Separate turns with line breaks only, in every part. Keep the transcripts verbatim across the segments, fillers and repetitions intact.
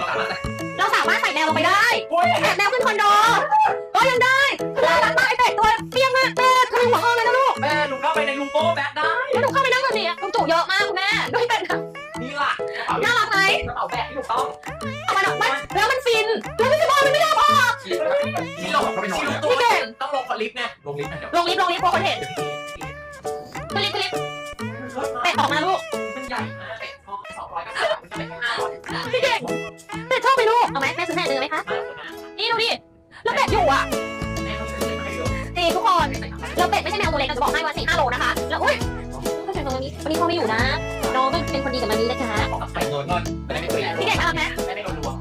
เราสามารถใส่แมวลงไปได้แอบแมวขึ้นคอนโดก็ยังได้น่ารักมากไอเป็ดตัวเปี้ยงมากแม่ทะลุหัวห้องเลยนะลูก
แม่หนูเข้าไปในลุงโป้แบทได้
แล้วหนูเข้าไปนั่งแบบนี้ลุงจู่เยอะมากคุณแม่ด้วยเป็ด
นี่ล่ะ
น่ารักไหม
กระเป๋าแบกที่ถูกต้อง
เอามันออกมาแล้วมันฟินแล้วไม่สบายมันไม่ยอมออก
ที่ลงที่ลงตัวต้องลงคอลิฟต์ไงลงลิฟต์ไงเดี๋ยว
ลงลิฟต์ลงลิฟต์กลัวคนเห็นขึ้นลิฟต์ขึ้นลิฟต์เป็ดออกมาลูก
มันใหญ่มากเป็ดห้องสองร้อยก็ได้มันจะเป็นห้าร้อย
พี่เก่งเป็ดชอบไหมลูกเอาไหมแม่ซื้อแม่เนื้อไหมคะนี่ดูดิแล้วเป็ดอยู่อ่ะ
แม่เขาซื้อมาให้เยอะ
จริงทุกคนแล้วเป็ดไม่ใช่แมวตัวเล็กเราจะบอกให้ว่าสี่ห้าโลนะคะแล้วอุ้ยก็เป็นตรงนี้วันนี้พ่อไม่อยู่นะน้องก็เป็นคนดีกับมันนี้นะคะ
ออกไปเงินเงินไม่ได้ไม่คุย
พี่เก่งทำไหม
ไม่ได้โดนลวง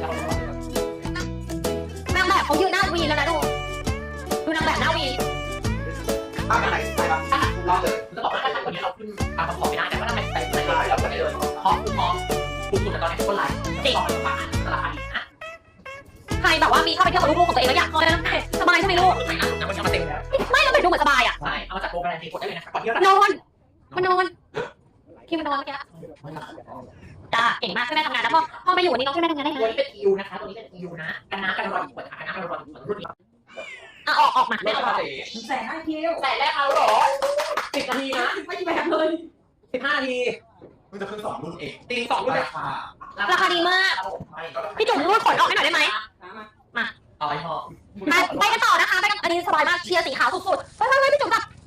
นางแบบเขายืนหน้าวีแล้วนะดูดูนางแบบหน้าวี
ถ้าเป็นไหนไปบ้างถ้าเราเลยจะบอกว่าถ้าคนนี้เราขึ้นตามคำขอไม่ได้แต่ว่าถ้าเป็นแต่แต่แล้วก็ได้เลยฮอปฮอปถูกสุดตอนนี้คนไลน์จริงตลาดตลาดนี้นะ
ใครแบบว่ามีเข้าไปเที่ยวกับลูกๆของตัวเองแล้วอยากคอยนะสบายใช่ไหมลูก
ไม่นะแต่มันจะมาเต็มแล้ว
ไม่แล้วเป็ดดูเหมือนสบายอ่ะ
ใช่เอามาจากโปรแกรมทีกดได้เลยนะครับก่อนที่เรา
นอนมันนอนที่มันนอนเมื่อกี้จ้าเก่งมากช่วยแม่ทำงานนะพ่อพ่อไม่อยู่วันนี้น้องช่วยแม่ทำงานได้
ตัว
นะ
นี้เป็นอิวนะคะตัวนี้เป็นอิวนะกันน้ำกันรอยเปิดกันน้ำกันรอยเปิดรุ่นนี้
อ่ะออกออกมา
ไม่
แม่
ต้
อ
อง
อก
มาแสนห้าคิวแสนแรกเอาหรอสิบนาทีนะไม่กี่แบบเลยสิบห้านาที
มันจะขึ้นสองรุ่นเอง
ตีสองรุ่น
ราคา
ราคาดีมากพี่จุ๋มรูดขนออกให้หน่อยได้ไหม
เอาไอ้หอ
มาไปกันต่อนะคะไปกันอันนี้สบายมากเชียร์สีขาวสุดๆไปไปไปพี่จุ๋มจับ